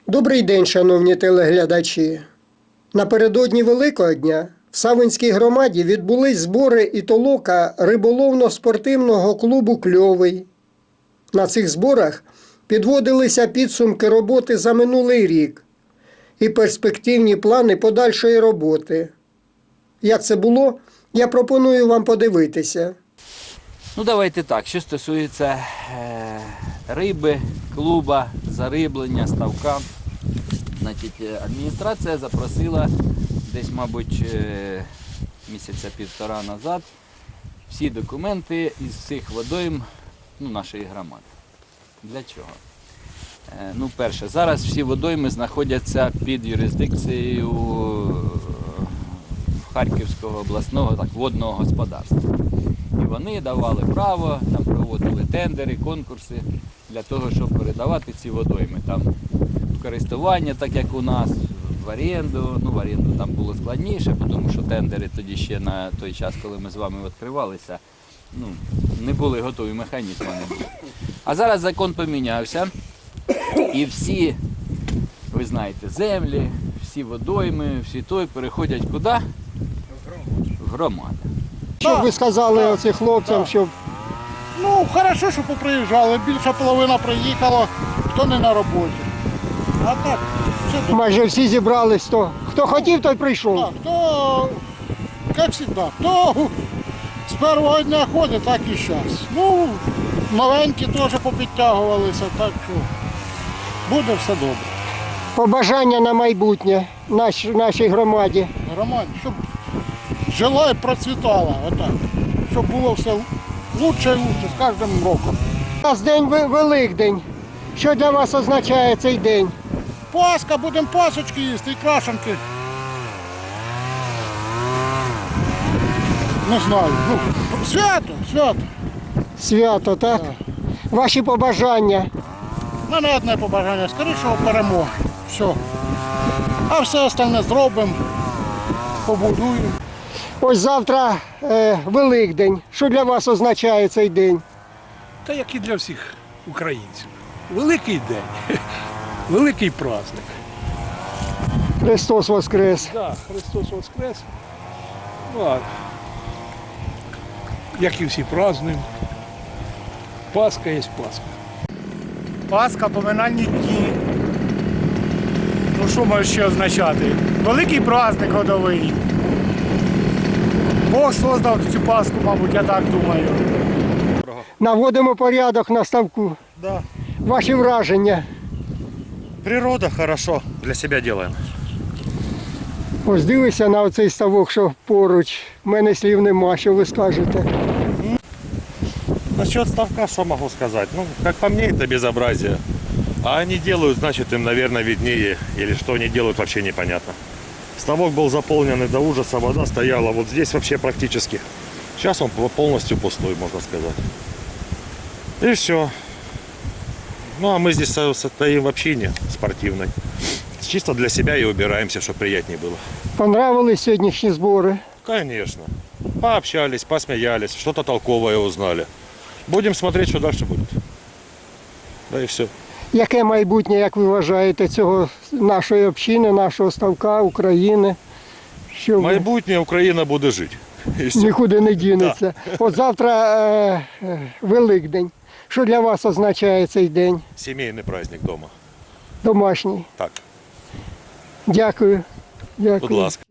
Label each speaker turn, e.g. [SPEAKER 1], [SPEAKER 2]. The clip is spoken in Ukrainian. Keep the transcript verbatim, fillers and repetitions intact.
[SPEAKER 1] Добрий день, шановні телеглядачі. Напередодні Великого дня в Савинській громаді відбулись збори і толока риболовно-спортивного клубу «Кльовий». На цих зборах підводилися підсумки роботи за минулий рік і перспективні плани подальшої роботи. Як це було, я пропоную вам подивитися.
[SPEAKER 2] Ну, давайте так, що стосується е, риби, клуба, зариблення, ставка. Значить, адміністрація запросила десь, мабуть, е, місяця півтора назад всі документи із всіх водойм, ну, нашої громади. Для чого? Е, ну, перше, зараз всі водойми знаходяться під юрисдикцією Харківського обласного так, водного господарства. І вони давали право, там проводили тендери, конкурси для того, щоб передавати ці водойми. Там в користування, так як у нас, в оренду. Ну, в оренду там було складніше, тому що тендери тоді ще на той час, коли ми з вами відкривалися, ну, не були готові, механізми не було. А зараз закон помінявся, і всі, ви знаєте, землі, всі водойми, всі той переходять куди? В громаду.
[SPEAKER 1] Що б ви сказали оцим хлопцям, щоб...
[SPEAKER 3] Ну, хорошо, що поприїжджали. Більша половина приїхала, хто не на роботі. А так, все добре.
[SPEAKER 1] майже всі зібрались, то хто хотів, той прийшов.
[SPEAKER 3] Так, хто, як завжди, хто з першого дня ходить, так і зараз. Ну, новенькі теж попідтягувалися, так що буде все добре.
[SPEAKER 1] Побажання на майбутнє наш, нашій громаді.
[SPEAKER 3] Громаді, щоб жила і процвітала, отак. Щоб було все лучше і лучше з кожним роком.
[SPEAKER 1] У нас день Ви- Великдень. Що для вас означає цей день?
[SPEAKER 3] Пасха, будемо пасочки їсти і крашенки. Не знаю. Ну, свято, свято.
[SPEAKER 1] Свято, так? Ваші побажання.
[SPEAKER 3] У мене одне побажання, скорішого перемоги. Все. А все остальне зробимо, побудуємо.
[SPEAKER 1] Ось завтра е, Великдень. Що для вас означає цей день?
[SPEAKER 4] Та як і для всіх українців. Великий день, великий праздник.
[SPEAKER 1] Христос Воскрес.
[SPEAKER 4] Так, Христос Воскрес. Ну, а як і всі празднуємо. Пасха є Пасха.
[SPEAKER 5] Пасха, поминальні дні. Ну що може ще означати? Великий праздник годовий. Бог создав цю Пасху, мабуть, я так думаю.
[SPEAKER 1] Наводимо порядок на ставку.
[SPEAKER 6] Да.
[SPEAKER 1] Ваші враження.
[SPEAKER 6] Природа хорошо для себя делаем.
[SPEAKER 1] Ось дивися на оцей ставок, що поруч. У мене слів нема, що ви скажете.
[SPEAKER 6] Насчет ставка, что могу сказать? Ну, как по мне, это безобразие. А они делают, значит, им, наверное, виднее. Или что они делают, вообще непонятно. Ставок был заполнен и до ужаса, вода стояла вот здесь вообще практически. Сейчас он полностью пустой, можно сказать. И все. Ну, а мы здесь со- стоим в общине спортивной. Чисто для себя и убираемся, чтобы приятнее было.
[SPEAKER 1] Понравились сьогоднішні збори?
[SPEAKER 6] Конечно. Пообщались, посмеялись, что-то толковое узнали. Будем смотреть, что дальше будет. Да и все.
[SPEAKER 1] Яке майбутнє, як ви вважаєте, цього нашої общини, нашого ставка, України? Що ви-
[SPEAKER 6] Майбутнє Україна буде жити. І все.
[SPEAKER 1] нікуди не дінеться. От завтра е, е, Великдень. Що для вас означає цей день
[SPEAKER 6] Сімейний праздник вдома.
[SPEAKER 1] домашній?
[SPEAKER 6] Так,
[SPEAKER 1] Дякую. Дякую.
[SPEAKER 6] будь ласка.